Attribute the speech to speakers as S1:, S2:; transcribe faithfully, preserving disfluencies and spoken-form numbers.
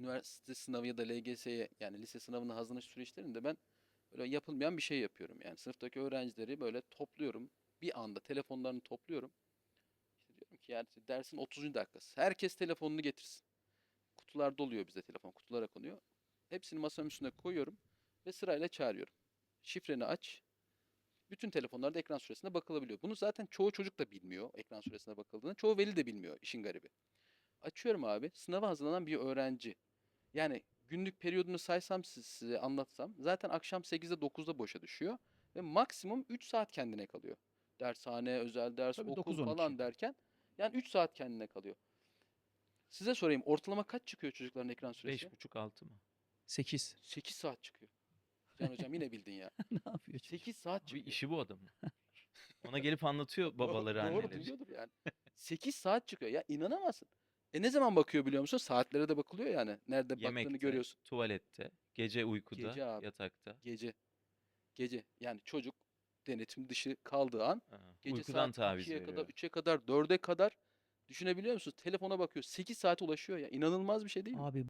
S1: üniversite sınavı ya da L G S'ye yani lise sınavına hazırlanış süreçlerinde ben böyle yapılmayan bir şey yapıyorum. Yani sınıftaki öğrencileri böyle topluyorum. Bir anda telefonlarını topluyorum. İşte diyorum ki yani dersin otuzuncu dakikası. Herkes telefonunu getirsin. Kutular doluyor bize telefon. Kutulara konuyor. Hepsini masanın üstüne koyuyorum ve sırayla çağırıyorum. Şifreni aç. Bütün telefonlarda ekran süresine bakılabiliyor. Bunu zaten çoğu çocuk da bilmiyor ekran süresine bakıldığını. Çoğu veli de bilmiyor işin garibi. Açıyorum abi. Sınava hazırlanan bir öğrenci. Yani günlük periyodunu saysam size anlatsam zaten akşam sekizde dokuzda boşa düşüyor. Ve maksimum üç saat kendine kalıyor. Dershane, özel ders,
S2: Tabii
S1: okul
S2: dokuz on iki.
S1: falan derken yani üç saat kendine kalıyor. Size sorayım ortalama kaç çıkıyor çocukların ekran süresi?
S3: Beş buçuk altı mı?
S2: sekiz.
S1: sekiz saat çıkıyor. Can hocam yine bildin ya.
S2: Ne yapıyor çocuk?
S1: sekiz saat
S3: Abi
S1: çıkıyor.
S3: işi bu adamın. Ona gelip anlatıyor
S1: Doğru,
S3: babaları,
S1: doğru
S3: anneleri.
S1: duyuyordur yani. sekiz saat çıkıyor. Ya inanamazsın. E ne zaman bakıyor biliyor musun? Saatlere de bakılıyor yani. Nerede baktığını
S3: Yemekte,
S1: görüyorsun.
S3: tuvalette, gece uykuda,
S1: Gece abi.
S3: yatakta.
S1: Gece. Gece. Yani çocuk denetim dışı kaldığı an
S3: Ha,
S1: gece
S3: uykudan
S1: saat
S3: taviz
S1: ikiye kadar,
S3: veriyor.
S1: üçe kadar, dörde kadar düşünebiliyor musunuz? Telefona bakıyor. sekiz saate ulaşıyor ya. İnanılmaz bir şey değil mi?
S2: Abi